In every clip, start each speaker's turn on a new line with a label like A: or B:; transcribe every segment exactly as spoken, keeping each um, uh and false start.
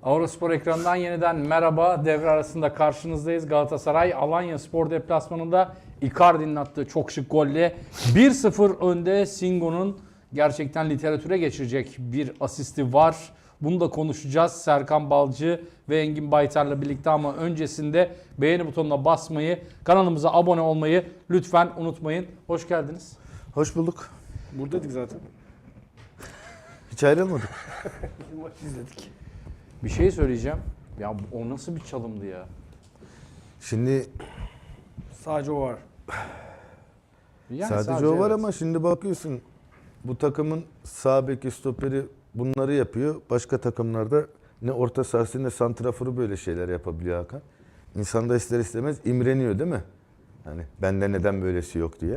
A: Avruspor ekranından yeniden merhaba. Devre arasında karşınızdayız. Galatasaray Alanya Spor deplasmanında Icardi'nin attığı çok şık golle bir sıfır önde. Singo'nun gerçekten literatüre geçirecek bir asisti var. Bunu da konuşacağız Serkan Balcı ve Engin Baytar'la birlikte, ama öncesinde beğeni butonuna basmayı, kanalımıza abone olmayı lütfen unutmayın. Hoş geldiniz.
B: Hoş bulduk.
C: Buradaydık zaten.
B: Hiç ayrılmadık.
C: Maç izledik.
A: Bir şey söyleyeceğim. Ya o nasıl bir çalımdı ya?
B: Şimdi
C: Sadece o var.
A: Yani
B: sadece, o var
A: evet.
B: ama şimdi bakıyorsun bu takımın sağ beki, stoperi bunları yapıyor. Başka takımlarda ne orta sahası ne santraforu böyle şeyler yapabiliyor Hakan. İnsan da ister istemez imreniyor değil mi? Hani bende neden böylesi yok diye.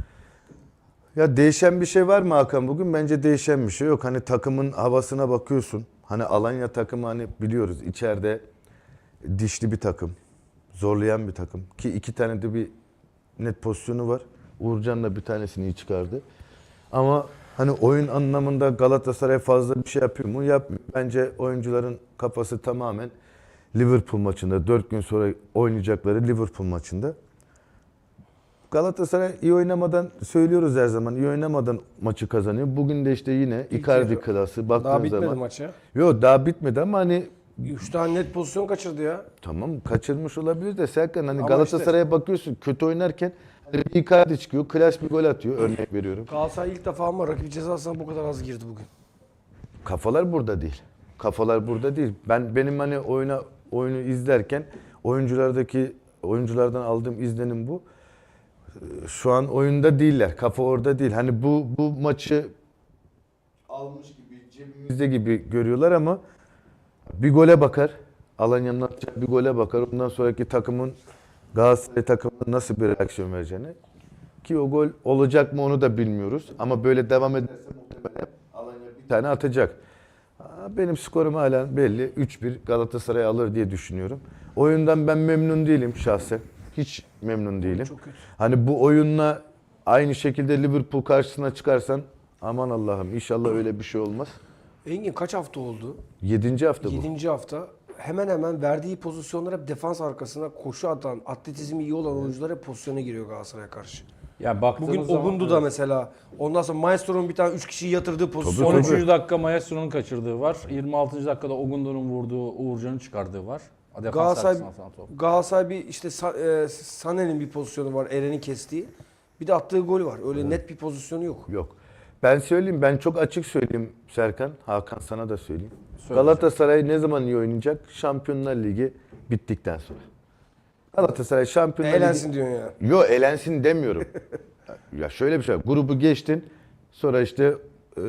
B: Ya değişen bir şey var mı Hakan bugün? Bence değişen bir şey yok. Hani takımın havasına bakıyorsun. Hani Alanya takımı, hani biliyoruz içeride dişli bir takım. Zorlayan bir takım. Ki iki tane de bir net pozisyonu var. Uğurcan da bir tanesini iyi çıkardı. Ama hani oyun anlamında Galatasaray fazla bir şey yapıyor mu? Yapmıyor. Bence oyuncuların kafası tamamen Liverpool maçında. Dört gün sonra oynayacakları Liverpool maçında. Galatasaray iyi oynamadan, söylüyoruz her zaman, iyi oynamadan maçı kazanıyor. Bugün de işte yine Icardi
C: yarı.
B: klası baktığın
C: Daha bitmedi
B: zaman.
C: maç ya.
B: Yok daha bitmedi ama hani
C: Üç tane net pozisyon kaçırdı ya.
B: tamam kaçırmış olabilir de Serkan, hani
C: Ama
B: Galatasaray'a bakıyorsun kötü oynarken hani bir Icardi çıkıyor, klas bir gol atıyor, örnek veriyorum.
C: Galatasaray ilk defa ama rakip cezasına bu kadar az girdi bugün.
B: Kafalar burada değil. Kafalar burada değil. Ben benim hani oyuna oyunu izlerken oyunculardaki oyunculardan aldığım izlenim bu. Şu an oyunda değiller. Kafa orada değil. Hani bu bu maçı almış gibi, cebimizde gibi görüyorlar ama bir gole bakar. Alanya'nın atacağı bir gole bakar. Ondan sonraki takımın, Galatasaray takımının nasıl bir reaksiyon vereceğini. Ki o gol olacak mı onu da bilmiyoruz. Ama böyle devam ederse muhtemelen Alanya bir tane atacak. Benim skorum hala belli. üç bir Galatasaray alır diye düşünüyorum. Oyundan ben memnun değilim şahsen. Hiç memnun değilim.
C: Çok kötü.
B: Hani bu oyunla aynı şekilde Liverpool karşısına çıkarsan aman Allah'ım inşallah öyle bir şey olmaz.
C: Engin kaç hafta oldu?
B: Yedinci hafta bu.
C: Yedinci hafta. Hemen hemen verdiği pozisyonlar hep defans arkasına koşu atan, atletizmi iyi olan oyuncular hep pozisyona giriyor Galatasaray'a karşı.
A: Ya baktığınız
C: Bugün
A: zaman,
C: Ogundu da
A: evet.
C: mesela. Ondan sonra Maestro'nun bir tane üç kişiyi yatırdığı pozisyon.
B: Tabii,
A: on
B: tabii.
A: üçüncü dakika Maestro'nun kaçırdığı var. yirmi altıncı dakikada Ogundu'nun vurduğu, Uğurcan'ın çıkardığı var. Defans
C: Galatasaray,
A: arkasına atılan top.
C: Galatasaray bir işte Sa- e, Sané'nin bir pozisyonu var, Eren'i kestiği. Bir de attığı gol var. Öyle net bir pozisyonu yok.
B: Yok. Ben söyleyeyim, ben çok açık söyleyeyim Serkan. Hakan sana da söyleyeyim.
A: Söyle
B: Galatasaray ne zaman iyi oynayacak? Şampiyonlar Ligi bittikten sonra. Galatasaray Şampiyonlar
C: Eğlensin
B: Ligi...
C: diyorsun ya.
B: Yok elensin demiyorum. Ya şöyle bir şey var. Grubu geçtin. Sonra işte e,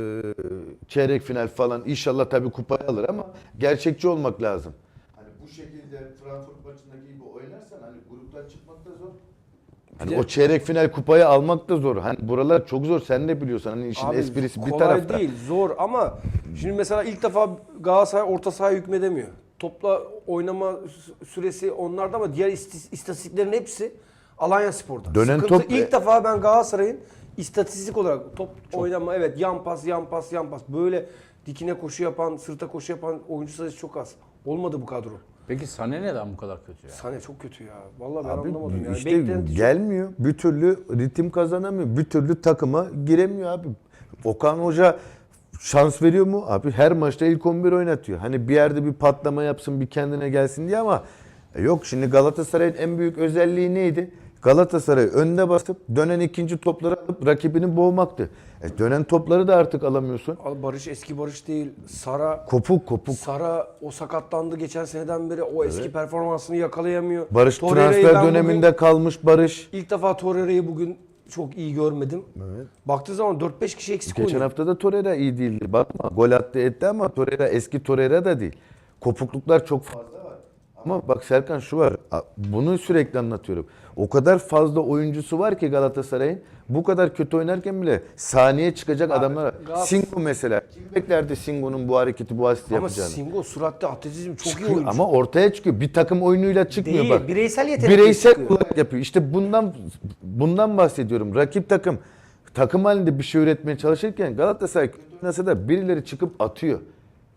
B: çeyrek final falan inşallah tabii kupayı alır ama gerçekçi olmak lazım. Hani bu şekilde Frankfurt maçındaki gibi oynarsan hani gruptan çıkmak da zor. Hani
C: Bir de-
B: o çeyrek final kupayı almak da zor. Hani buralar çok zor. Sen de biliyorsun. Hani işin
C: Abi,
B: esprisi bir
C: kolay
B: tarafta.
C: değil, zor ama şimdi mesela ilk defa Galatasaray orta sahaya hükmedemiyor. Topla oynama sü- süresi onlarda ama diğer istis- istatistiklerin hepsi Alanya Spor'da.
B: Dönen
C: Sıkıntı
B: top-
C: ilk defa ben Galatasaray'ın istatistik olarak top oynama, evet, yan pas, yan pas, yan pas, böyle dikine koşu yapan, sırta koşu yapan oyuncu sayısı çok az. Olmadı bu kadro.
A: Peki Sané neden bu kadar kötü ya?
C: Sané çok kötü ya. Vallahi ben
B: Abi
C: anlamadım yani.
B: işte
C: Beklenti çok-
B: gelmiyor. Bir türlü ritim kazanamıyor. Bir türlü takıma giremiyor abi. Okan Hoca şans veriyor mu? Abi her maçta ilk on bir oynatıyor. Hani bir yerde bir patlama yapsın, bir kendine gelsin diye ama e, yok. Şimdi Galatasaray'ın en büyük özelliği neydi? Galatasaray önde basıp dönen ikinci topları alıp rakibini boğmaktı. E, dönen topları da artık alamıyorsun.
C: Al, Barış eski Barış değil. Sara
B: Kopuk kopuk.
C: Sara o sakatlandı geçen seneden beri, o eski performansını yakalayamıyor.
B: Barış
C: Torreira'yı
B: transfer
C: ben bugün-
B: döneminde kalmış Barış.
C: İlk defa Torreira'yı bugün çok iyi görmedim.
B: Evet.
C: Baktığı zaman dört beş kişi eksik
B: Geçen
C: oynuyor.
B: hafta da Torreira iyi değildi. Bakma gol attı etti ama Torreira eski Torreira da değil. Kopukluklar çok fazla var. Ama bak Serkan şu var. Bunu sürekli anlatıyorum. O kadar fazla oyuncusu var ki Galatasaray'ın. Bu kadar kötü oynarken bile saniye çıkacak adamlar var.
C: Galatasaray-
B: Singo mesela. Kim beklerdi Singo'nun bu hareketi, bu asisti
C: Ama
B: yapacağını?
C: Singo süratte atletizm çok iyi
B: Çıkıyor
C: oyuncu.
B: ama ortaya çıkıyor. Bir takım oyunuyla çıkmıyor
C: Değil,
B: bak.
C: bireysel yetenekle
B: Bireysel
C: çıkıyor.
B: olarak yapıyor. İşte bundan bundan bahsediyorum. Rakip takım takım halinde bir şey üretmeye çalışırken Galatasaray kötü oynasa da birileri çıkıp atıyor.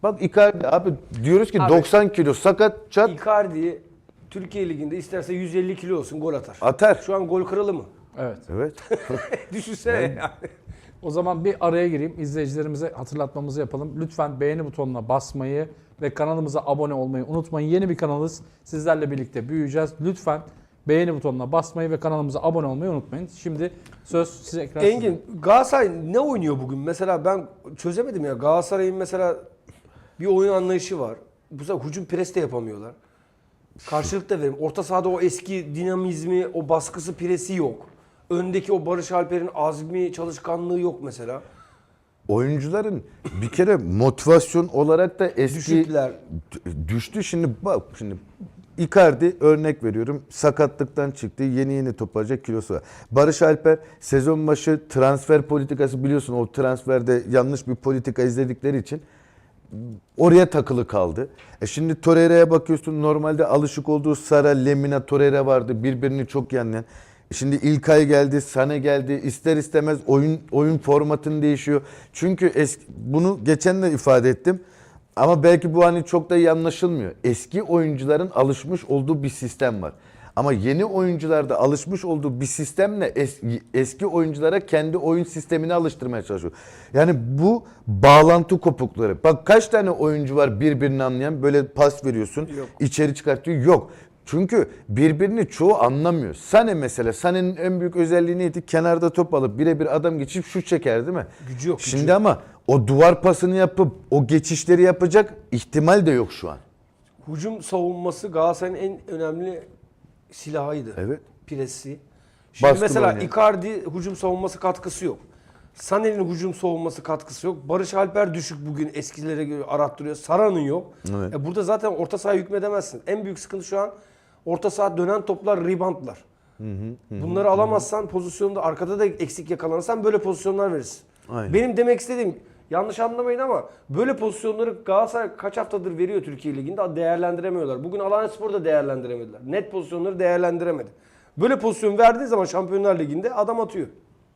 B: Bak Icardi abi diyoruz ki
C: Abi,
B: doksan kilo sakat çat
C: Icardi Türkiye Ligi'nde isterse yüz elli kilo olsun gol atar.
B: atar.
C: Şu an gol kralı mı?
A: Evet.
B: Evet.
C: Düşünsene yani.
A: O zaman bir araya gireyim. İzleyicilerimize hatırlatmamızı yapalım. Lütfen beğeni butonuna basmayı ve kanalımıza abone olmayı unutmayın. Yeni bir kanalız. Sizlerle birlikte büyüyeceğiz. Lütfen beğeni butonuna basmayı ve kanalımıza abone olmayı unutmayın. Şimdi söz size ekran sizde.
C: Engin, Galatasaray ne oynuyor bugün? Mesela ben çözemedim ya. Galatasaray'ın mesela bir oyun anlayışı var. Bu sefer hücum pres de yapamıyorlar. Karşılık da verim. Orta sahada o eski dinamizmi, o baskısı, presi yok. Öndeki o Barış Alper'in azmi, çalışkanlığı yok mesela.
B: Oyuncuların bir kere motivasyon olarak da eski
C: Düşükler.
B: D- düştü. Şimdi bak şimdi Icardi örnek veriyorum. Sakatlıktan çıktı. Yeni yeni toparlayacak kilosu var. Barış Alper sezon başı transfer politikası biliyorsun o transferde yanlış bir politika izledikleri için oraya takılı kaldı. E şimdi Torreira'ya bakıyorsun normalde alışık olduğu Sara, Lemina, Torreira vardı. Birbirini çok yanlayan. Şimdi İlkay geldi, Sané geldi. İster istemez oyun oyun formatın değişiyor. Çünkü eski, bunu geçen de ifade ettim. Ama belki bu hani çok da iyi anlaşılmıyor. Eski oyuncuların alışmış olduğu bir sistem var. Ama yeni oyuncularda alışmış olduğu bir sistemle eski, eski oyunculara kendi oyun sistemini alıştırmaya çalışıyor. Yani bu bağlantı kopukları. Bak kaç tane oyuncu var birbirini anlayan böyle pas veriyorsun,
C: Yok.
B: içeri çıkartıyor. Yok. Çünkü birbirini çoğu anlamıyor. Sané mesela, Sané'nin en büyük özelliği neydi? Kenarda top alıp birebir adam geçip şut çeker değil mi?
C: Gücü yok, gücü
B: Şimdi
C: yok.
B: ama o duvar pasını yapıp o geçişleri yapacak ihtimal de yok şu an.
C: Hücum savunması Galatasaray'ın en önemli silahıydı.
B: Evet.
C: Presi. Şimdi
B: Baskı
C: mesela
B: oynayan.
C: Icardi hücum savunması katkısı yok. Sané'nin hücum savunması katkısı yok. Barış Alper düşük bugün eskilere göre arattırıyor. Sara'nın yok.
B: Evet.
C: E burada zaten orta sahaya hükmedemezsin. En büyük sıkıntı şu an orta saha dönen toplar, reboundlar. Bunları alamazsan pozisyonda arkada da eksik yakalanırsan böyle pozisyonlar verirsin.
B: Aynen.
C: Benim demek istediğim yanlış anlamayın ama böyle pozisyonları Galatasaray kaç haftadır veriyor Türkiye Ligi'nde değerlendiremiyorlar. Bugün Alanyaspor da değerlendiremediler. Net pozisyonları değerlendiremedi. Böyle pozisyon verdiği zaman Şampiyonlar Ligi'nde adam atıyor.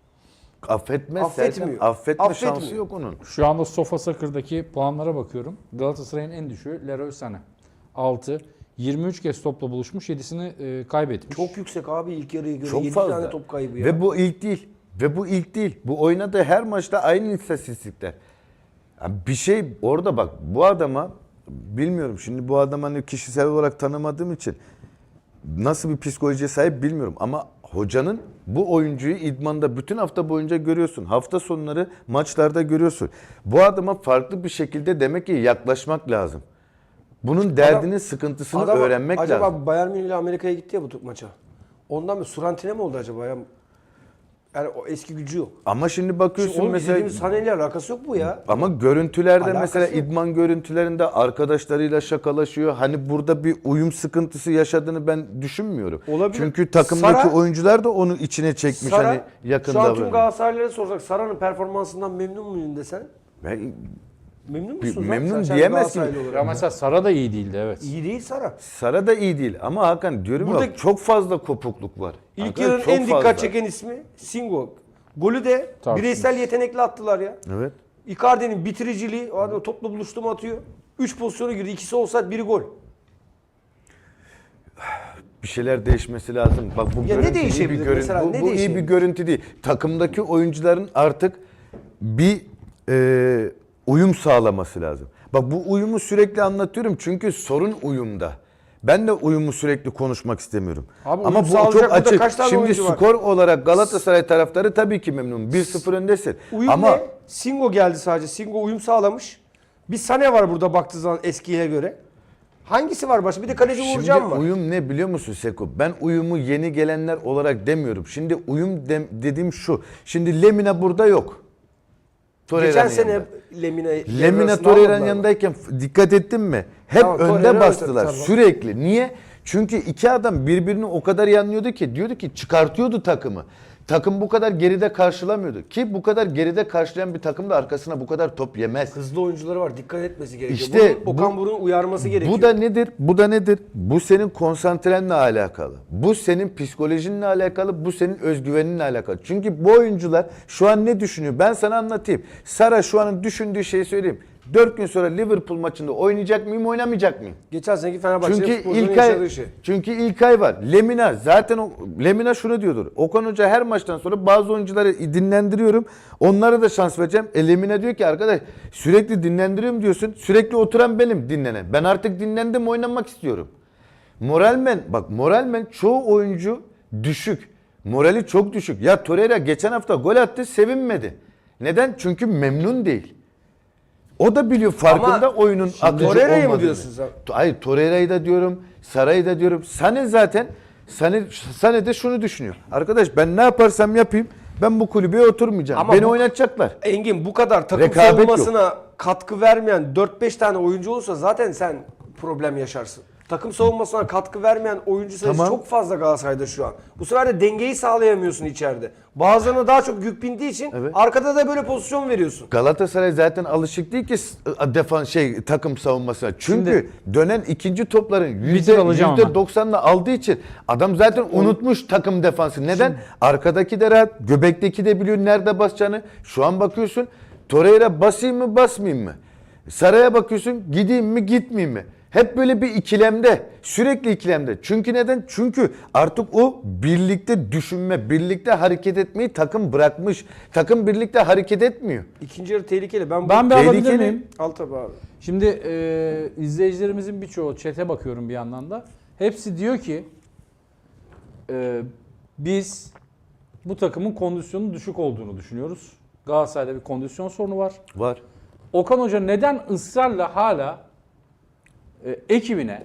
B: Affetmez
C: Affetmiyor.
B: Serkan. Affetme
C: Affetmiyor.
B: şansı yok onun.
A: Şu anda Sofa Sakır'daki puanlara bakıyorum. Galatasaray'ın en düşüğü Leroy Sané. altı. yirmi üç kez topla buluşmuş, yedisini e, kaybetmiş.
C: Çok yüksek abi ilk yarıya göre.
B: Çok
C: yedi
B: fazla.
C: tane top kaybı ya.
B: Ve bu ilk değil. Ve bu ilk değil. Bu oynadığı her maçta aynı istatistikler. Ya bir şey orada bak bu adama bilmiyorum şimdi bu adamı hani kişisel olarak tanımadığım için nasıl bir psikolojiye sahip bilmiyorum ama hocanın bu oyuncuyu idmanda bütün hafta boyunca görüyorsun. Hafta sonları maçlarda görüyorsun. Bu adama farklı bir şekilde demek ki yaklaşmak lazım. Bunun derdinin sıkıntısını
C: Adam
B: öğrenmek
C: acaba
B: lazım.
C: Bayern Münih ile Amerika'ya gitti ya bu maça. Ondan mı Surantine mi oldu acaba ya? Yani o eski gücü yok.
B: Ama şimdi bakıyorsun
C: Şimdi onun
B: mesela
C: izlediğimiz Sané ile alakası yok bu ya.
B: ama görüntülerde
C: Alakası
B: mesela
C: yok.
B: idman görüntülerinde arkadaşlarıyla şakalaşıyor. Hani burada bir uyum sıkıntısı yaşadığını ben düşünmüyorum.
C: Olabilir.
B: Çünkü takımdaki
C: Sara-
B: oyuncular da onu içine çekmiş
C: Sara,
B: hani yakın
C: şu an tüm
B: davranıyor.
C: Galatasaraylılara sorsak Sara'nın performansından memnun muyum desen?
B: Ben-
C: Memnun
B: Bir-
C: musun? lan?
B: memnun
C: Sen- sen
B: diyemezsin.
C: Galatasaraylı olarak.
A: Ya mesela Sara da iyi değildi, evet.
C: İyi değil Sara.
B: Sara da iyi değil ama Hakan diyorum
C: Burada-
B: ya çok fazla kopukluk var.
C: İlk
B: Hakan,
C: yarının
B: çok
C: en dikkat
B: fazla.
C: çeken ismi Singo. Golü de
A: Tartışmasız.
C: bireysel yetenekle attılar ya.
B: Evet.
C: Icardi'nin bitiriciliği, o adam topla buluştu mu atıyor. üç pozisyona girdi. İkisi olsaydı biri gol.
B: Bir şeyler değişmesi lazım. Bak bu
C: ne
B: görüntü iyi bir
C: değişebilir
B: görüntü.
C: mesela,
B: Bu,
C: ne
B: bu iyi bir
C: değişebilir?
B: görüntü değil. Takımdaki oyuncuların artık bir e, uyum sağlaması lazım. Bak bu uyumu sürekli anlatıyorum çünkü sorun uyumda. Ben de uyumu sürekli konuşmak istemiyorum.
C: Abi
B: Ama
C: uyum
B: bu
C: sağlayacak
B: çok
C: burada
B: açık.
C: kaç tane
B: Şimdi
C: oyuncu var?
B: skor olarak Galatasaray taraftarı tabii ki memnun. bir sıfır öndesin.
C: Uyum
B: Ama
C: ne? Singo geldi sadece. Singo uyum sağlamış. Bir Sané var burada baktığı zaman eskiye göre. Hangisi var başka? Bir de kaleci
B: şimdi
C: Uğurcan var.
B: uyum ne biliyor musun Seko? Ben uyumu yeni gelenler olarak demiyorum. Şimdi uyum dem- dediğim şu. Şimdi Lemina burada yok. Torreira'nın
C: Geçen sene
B: yanında.
C: Lemina
B: Lemina Torreira'nın yanındayken dikkat ettin mi? Hep
C: Tamam,
B: önde
C: Torreira
B: bastılar
C: öte- tamam.
B: sürekli. Niye? Çünkü iki adam birbirini o kadar yanlıyordu ki diyordu ki çıkartıyordu takımı. Takım bu kadar geride karşılamıyordu. Ki bu kadar geride karşılayan bir takım da arkasına bu kadar top yemez.
C: Hızlı oyuncuları var. Dikkat etmesi gerekiyor.
B: İşte
C: Bunu Okan
B: bu-
C: Buruk'un uyarması gerekiyor.
B: Bu da nedir? Bu da nedir? Bu senin konsantrenle alakalı. Bu senin psikolojinle alakalı. Bu senin özgüveninle alakalı. Çünkü bu oyuncular şu an ne düşünüyor? Ben sana anlatayım. Sara şu anın düşündüğü şeyi söyleyeyim. dört gün sonra Liverpool maçında oynayacak mıyım, oynamayacak mıyım?
C: Geçen seneki Fenerbahçe'nin
B: Çünkü
C: futbolcunun
B: İlkay,
C: yaşadığı şey.
B: çünkü İlkay var. Lemina zaten o, Lemina şunu diyordur. Okan Hoca her maçtan sonra bazı oyuncuları dinlendiriyorum. Onlara da şans vereceğim. E Lemina diyor ki arkadaş sürekli dinlendiriyorum diyorsun. Sürekli oturan benim dinlenen. Ben artık dinlendim, oynamak istiyorum. Moralmen bak moralmen çoğu oyuncu düşük. Morali çok düşük. Ya Torreira geçen hafta gol attı, sevinmedi. Neden? Çünkü memnun değil. O da biliyor farkında
C: Ama
B: oyunun akıcı
C: Torreira'yı mı
B: olmadığını.
C: diyorsun sen?
B: Hayır, Torreira'yı da diyorum, Saray'ı da diyorum. Sane zaten Sane, Sane de şunu düşünüyor. Arkadaş ben ne yaparsam yapayım ben bu kulübeye oturmayacağım.
C: Ama
B: Beni
C: bu-
B: oynatacaklar.
C: Engin bu kadar takım
B: Rekabet
C: savunmasına katkı vermeyen dört beş tane oyuncu olsa zaten sen problem yaşarsın. Takım savunmasına katkı vermeyen oyuncu sayısı
B: Tamam.
C: çok fazla Galatasaray'da şu an. Bu sefer de dengeyi sağlayamıyorsun içeride. Bazılarına daha çok yük bindiği için
B: Evet.
C: arkada da böyle pozisyon veriyorsun.
B: Galatasaray zaten alışık değil ki defans şey takım savunmasına. Çünkü dönen ikinci topların yüzde
A: alacağım
B: yüzde
A: ama.
B: doksanını aldığı için adam zaten unutmuş takım defansı. Neden? Arkadaki de rahat, göbekteki de biliyor nerede basacağını. Şu an bakıyorsun Torreira basayım mı basmayayım mı? Saray'a bakıyorsun gideyim mi gitmeyeyim mi? Hep böyle bir ikilemde. Sürekli ikilemde. Çünkü neden? Çünkü artık o birlikte düşünme, birlikte hareket etmeyi takım bırakmış. Takım birlikte hareket etmiyor.
C: İkinci yarı tehlikeli. Ben, bu...
A: Ben bir alabilir
B: Tehlikeli.
A: miyim?
C: Al tabii abi.
A: Şimdi e, izleyicilerimizin birçoğu chat'e bakıyorum bir yandan da. Hepsi diyor ki e, biz bu takımın kondisyonun düşük olduğunu düşünüyoruz. Galatasaray'da bir kondisyon sorunu var.
B: Var.
A: Okan Hoca neden ısrarla hala e, ekibine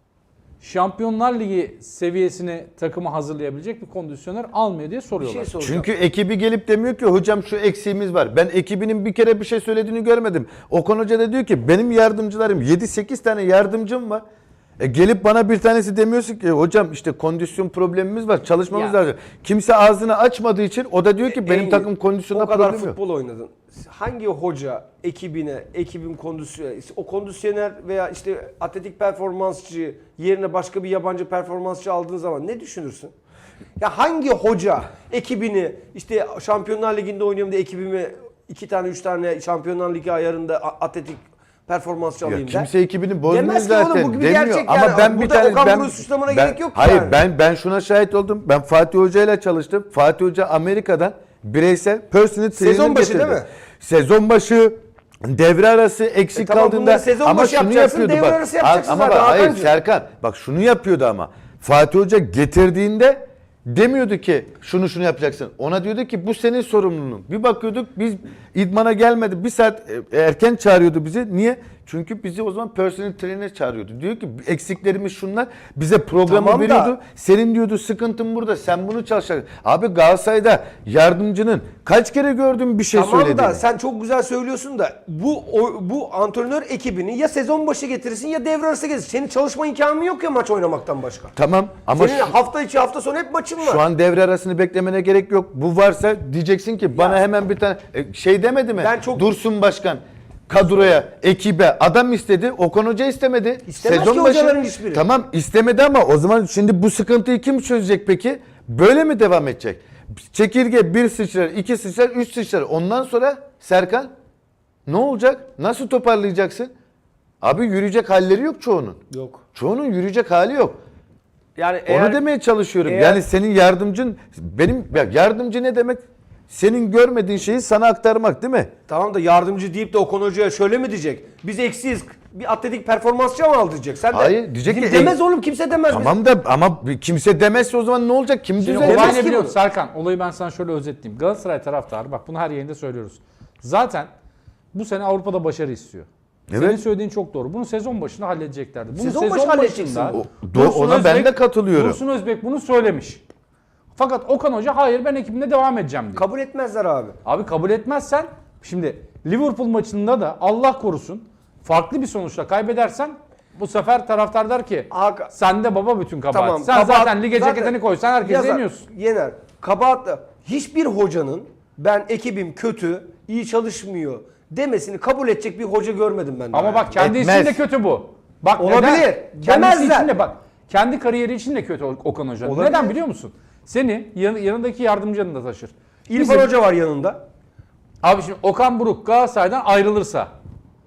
A: Şampiyonlar Ligi seviyesini takımı hazırlayabilecek bir kondisyoner almıyor diye
C: Bir
A: soruyorlar.
C: şey soracağım.
B: Çünkü ekibi gelip demiyor ki hocam şu eksiğimiz var. Ben ekibinin bir kere bir şey söylediğini görmedim. Okan Hoca da diyor ki benim yardımcılarım yedi sekiz tane yardımcım var. E gelip bana bir tanesi demiyorsun ki hocam işte kondisyon problemimiz var, çalışmamız
C: Ya.
B: lazım. Kimse ağzını açmadığı için o da diyor ki benim
C: Engin,
B: takım kondisyonda
C: o kadar
B: problem yok.
C: futbol oynadın. Hangi hoca ekibine, ekibin kondisyonu, o kondisyoner veya işte atletik performansçı yerine başka bir yabancı performansçı aldığın zaman ne düşünürsün? Ya hangi hoca ekibini işte Şampiyonlar Ligi'nde oynuyorum diye ekibimi iki tane üç tane Şampiyonlar Ligi ayarında a- atletik performansçı
B: Ya
C: alayım der.
B: kimse ekibini bozmuyor
C: Demez ki oğlum,
B: zaten.
C: bu bir
B: demiyor.
C: gerçek
B: Ama
C: yani.
B: ben bir
C: Burada
B: tane
C: Okan
B: ben
C: Buruk'u suçlamana
B: ben-
C: gerek yok
B: Hayır
C: yani.
B: ben ben şuna şahit oldum. Ben Fatih Hoca ile çalıştım. Fatih Hoca Amerika'dan bireysel personal trainer
C: Sezon başı
B: getirdi.
C: değil mi?
B: Sezon başı devre arası eksik
C: E tamam,
B: kaldığında
C: bunları sezon
B: ama
C: başı
B: şunu
C: yapacaksın,
B: yapıyordu
C: devre
B: bak.
C: arası yapacaksın
B: ama
C: zaten
B: bak, hayır
C: Hakan'cığım.
B: Serkan bak şunu yapıyordu ama Fatih Hoca getirdiğinde demiyordu ki şunu şunu yapacaksın. Ona diyordu ki bu senin sorumluluğun. Bir bakıyorduk biz idmana gelmedi. Bir saat e, erken çağırıyordu bizi. Niye? Çünkü bizi o zaman personal trainer çağırıyordu. Diyor ki eksiklerimiz şunlar. Bize programı
C: Tamam da-
B: veriyordu. Senin diyordu sıkıntın burada. Sen bunu çalışacaksın. Abi Galatasaray'da yardımcının kaç kere gördüğüm bir şey
C: Tamam
B: söylediğini.
C: da sen çok güzel söylüyorsun da bu o, bu antrenör ekibini ya sezon başı getirsin ya devre arası getirsin. Senin çalışma imkanın yok ya maç oynamaktan başka.
B: Tamam ama
C: Senin
B: şu,
C: hafta içi hafta sonu hep maçın var.
B: şu an devre arasını beklemene gerek yok. Bu varsa diyeceksin ki bana hemen bir tane e, şey demedi mi?
C: Ben çok-
B: Dursun Başkan kadroya, ekibe adam istedi. Okan Hoca istemedi.
C: İstemez ki hocaların hiçbiri.
B: Tamam istemedi ama o zaman şimdi bu sıkıntıyı kim çözecek peki? Böyle mi devam edecek? Çekirge bir sıçrar, iki sıçrar, üç sıçrar. Ondan sonra Serkan ne olacak? Nasıl toparlayacaksın? Abi yürüyecek halleri yok çoğunun.
C: Yok.
B: Çoğunun yürüyecek hali yok.
C: Yani
B: Onu
C: eğer
B: demeye çalışıyorum.
C: eğer-
B: Yani senin yardımcın benim ya yardımcı ne demek? Senin görmediğin şeyi sana aktarmak değil mi?
C: tamam da yardımcı deyip de Okan Hoca'ya şöyle mi diyecek? Biz eksiyiz. Bir atletik performansçı mı al diyecek? Sen de
B: Hayır, diyecek ki-
C: demez oğlum kimse demez.
B: Tamam da ama kimse demezse o zaman ne olacak? Kim
A: Şimdi
B: düzelecek?
A: olay
C: Demez
A: ne
C: ki
A: biliyor
C: bunu.
A: musun Serkan? Olayı ben sana şöyle özetleyeyim. Galatasaray taraftarı, bak bunu her yayında söylüyoruz. Zaten bu sene Avrupa'da başarı istiyor.
B: Evet.
A: Senin söylediğin çok doğru. Bunu sezon başında halledeceklerdi. Bunu
C: Sezon başı halledeceksin.
A: başında
B: O- do- ona ben de katılıyorum.
A: Dursun Özbek bunu söylemiş. Fakat Okan Hoca hayır ben ekibimle devam edeceğim diyor.
C: Kabul etmezler abi.
A: Abi kabul etmezsen şimdi Liverpool maçında da Allah korusun farklı bir sonuçla kaybedersen bu sefer taraftar der ki
C: Hakan-
A: sende baba bütün kabahat.
C: Tamam.
A: Sen
C: kabahat-
A: zaten lige
C: zaten
A: ceketini koysan herkese
C: yazar,
A: yeniyorsun.
C: Yener. Kabahatla hiçbir hocanın ben ekibim kötü, iyi çalışmıyor demesini kabul edecek bir hoca görmedim ben.
A: Ama
C: daha.
A: bak kendi
B: Etmez.
A: için de kötü bu. Bak
C: Olabilir.
A: neden? Kendisi
C: Demezler.
A: için de bak. Kendi kariyeri için de kötü Okan Hoca.
C: Olabilir.
A: Neden biliyor musun? Seni yan- yanındaki yardımcını da taşır.
C: İrfan
A: Bizim-
C: Hoca var yanında.
A: Abi şimdi Okan Buruk Galatasaray'dan ayrılırsa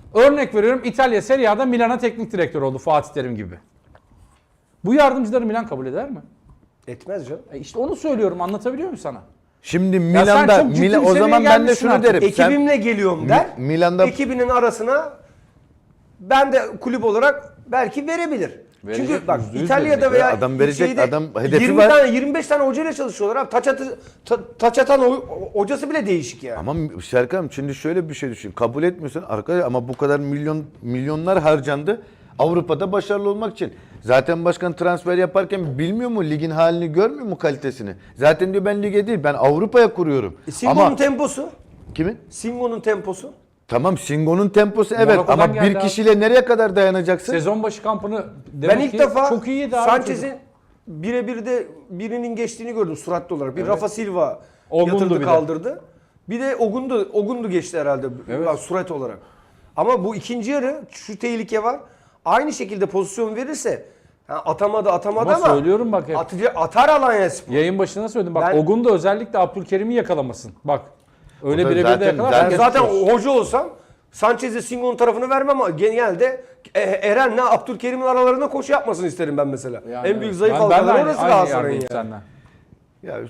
A: Örnek veriyorum, İtalya Serie A'da Milan'a teknik direktör oldu Fatih Terim gibi. Bu yardımcıları Milan kabul eder mi?
C: Etmez canım.
A: E işte onu söylüyorum, anlatabiliyor muyum sana?
B: Şimdi
A: sen
B: Milan'da
A: çok ciddi
B: Milan,
A: bir
B: o
A: seviyeye
B: zaman ben de
A: gelmişsin
B: şunu
A: artık.
B: derim. Sen-
C: Ekibimle geliyorum der.
B: Mi- Milan'da-
C: Ekibinin arasına ben de kulüp olarak belki verebilir.
A: Verecek,
C: Çünkü bak
A: yüzde yüz
C: İtalya'da
A: verecek.
C: veya
B: Adam verecek,
C: şeyde
B: adam hedefi
C: yirmi
B: var.
C: tane yirmi beş tane hocayla çalışıyorlar abi. Taç, atı, ta- taç atan o- hocası bile değişik yani.
B: Ama Serkan şimdi şöyle bir şey düşün. Kabul etmiyorsun arkadaş ama bu kadar milyon milyonlar harcandı. Avrupa'da başarılı olmak için. Zaten başkan transfer yaparken bilmiyor mu ligin halini, görmüyor mu kalitesini? Zaten diyor ben lige değil ben Avrupa'ya kuruyorum.
C: E, Singo'nun
B: ama
C: temposu.
B: kimin?
C: Singo'nun temposu.
B: Tamam Singo'nun temposu evet
A: Monaco'dan
B: ama
A: geldi
B: bir
A: abi.
B: kişiyle nereye kadar dayanacaksın?
A: Sezon başı kampını demek
C: Ben ilk
A: ki
C: defa
A: çok iyiydi abi
C: Sanchez'in
A: çocuk.
C: birebir de birinin geçtiğini gördüm suratlı olarak. Bir Rafa Silva
A: Ogundu
C: yatırdı
A: bir de.
C: kaldırdı. Bir de Ogundu, Ogundu geçti herhalde
A: Evet.
C: bak, surat olarak. Ama bu ikinci yarı şu tehlike var. Aynı şekilde pozisyon verirse ha, atamadı atamadı
A: Ama
C: ama,
A: söylüyorum bak hep.
C: atıcı, atar Alanyaspor.
A: Yayın başında söyledim. Bak
C: Ben-
A: Ogun da özellikle Abdülkerim'i yakalamasın. Bak. Öyle
B: O da
A: birebir de
B: zaten-
A: yakalar.
B: zaten-
C: Ben
A: geçmiş
C: zaten
A: olsun.
C: hoca olsam Sanchez'e Singo'nun tarafını vermem ama genelde e, Eren'le Abdülkerim'in aralarında koşu yapmasını isterim ben mesela.
A: Yani
C: en büyük
A: evet.
C: zayıf
A: Ben- ben de
C: halkaları
A: aynı-
C: orası
A: aynı
C: Galatasaray'ın
A: yerdeyim
C: yani.
A: senden.
B: Ya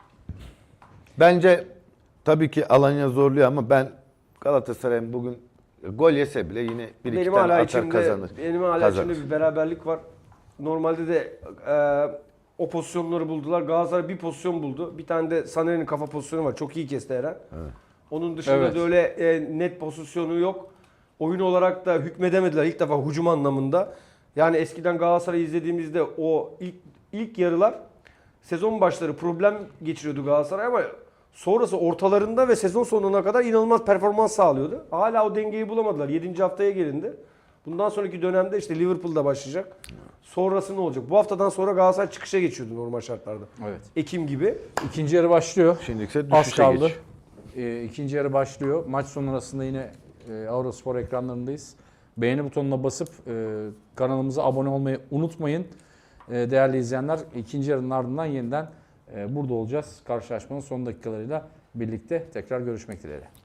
B: bence tabii ki Alanya zorluyor ama ben Galatasaray'ın bugün gol yese bile yine bir iki
C: Benim
B: tane
C: hala
B: atar
C: içimde,
B: kazanır.
C: benim hala
B: Kazanır.
C: içimde bir beraberlik var. Normalde de e, o pozisyonları buldular. Galatasaray bir pozisyon buldu. Bir tane de Sané'nin kafa pozisyonu var. Çok iyi kesti Eren. Onun dışında
A: Evet.
C: da öyle e, net pozisyonu yok. Oyun olarak da hükmedemediler ilk defa hücum anlamında. Yani eskiden Galatasaray'ı izlediğimizde o ilk ilk yarılar sezon başları problem geçiriyordu Galatasaray ama sonrası ortalarında ve sezon sonuna kadar inanılmaz performans sağlıyordu. Hala o dengeyi bulamadılar. yedinci haftaya gelindi. Bundan sonraki dönemde işte Liverpool'da başlayacak. Sonrası ne olacak? Bu haftadan sonra Galatasaray çıkışa geçiyordu normal şartlarda.
A: Evet.
C: Ekim gibi.
A: İkinci yarı başlıyor.
B: Şimdi ise
A: Az
B: düşüşe
A: kaldı.
B: geç.
A: Ee, ikinci yarı başlıyor. Maç sonrasında yine e, Eurospor ekranlarındayız. Beğeni butonuna basıp e, kanalımıza abone olmayı unutmayın. E, değerli izleyenler, ikinci yarının ardından yeniden e, burada olacağız. Karşılaşmanın son dakikalarıyla birlikte tekrar görüşmek dileğiyle.